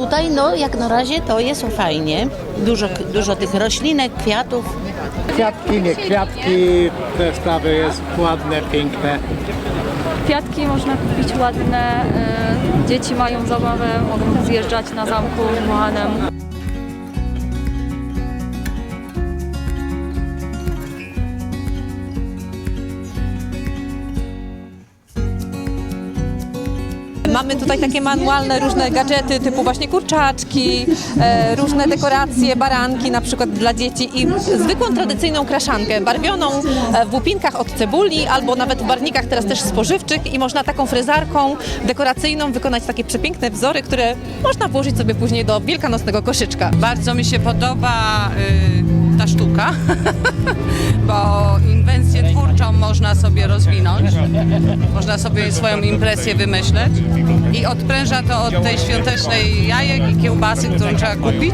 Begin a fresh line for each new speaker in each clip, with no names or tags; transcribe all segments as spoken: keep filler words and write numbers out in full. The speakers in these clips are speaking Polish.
tutaj no jak na razie to jest fajnie. Dużo, dużo tych roślinek, kwiatów.
Kwiatki, nie kwiatki, te sprawy jest ładne, piękne.
Kwiatki można kupić ładne, y, dzieci mają zabawę, mogą zjeżdżać na zamku Mohanem.
Mamy tutaj takie manualne różne gadżety typu właśnie kurczaczki, e, różne dekoracje, baranki na przykład dla dzieci i zwykłą tradycyjną kraszankę barwioną e, w łupinkach od cebuli albo nawet w barwnikach teraz też spożywczych i można taką frezarką dekoracyjną wykonać takie przepiękne wzory, które można włożyć sobie później do wielkanocnego koszyczka.
Bardzo mi się podoba y, ta sztuka, bo inwencję twórczą można sobie rozwinąć, można sobie swoją impresję wymyśleć i odpręża to od tej świątecznej jajek i kiełbasy, którą trzeba kupić.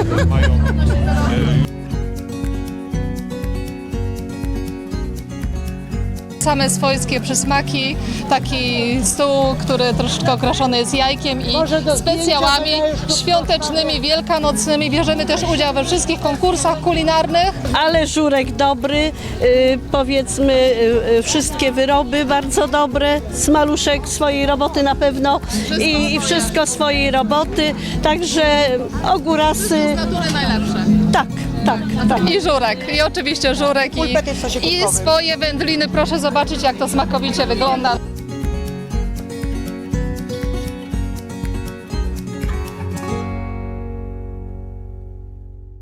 Same swojskie przysmaki, taki stół, który troszeczkę okraszony jest jajkiem i specjałami świątecznymi, wielkanocnymi. Bierzemy też udział we wszystkich konkursach kulinarnych.
Ale żurek dobry, y, powiedzmy y, y, wszystkie wyroby bardzo dobre, smaluszek swojej roboty na pewno i, i wszystko swojej roboty, także ogórasy,
Natury najlepsze.
tak, tak, tak.
I żurek, i oczywiście żurek i, i swoje wędliny. Proszę zobaczyć, jak to smakowicie wygląda.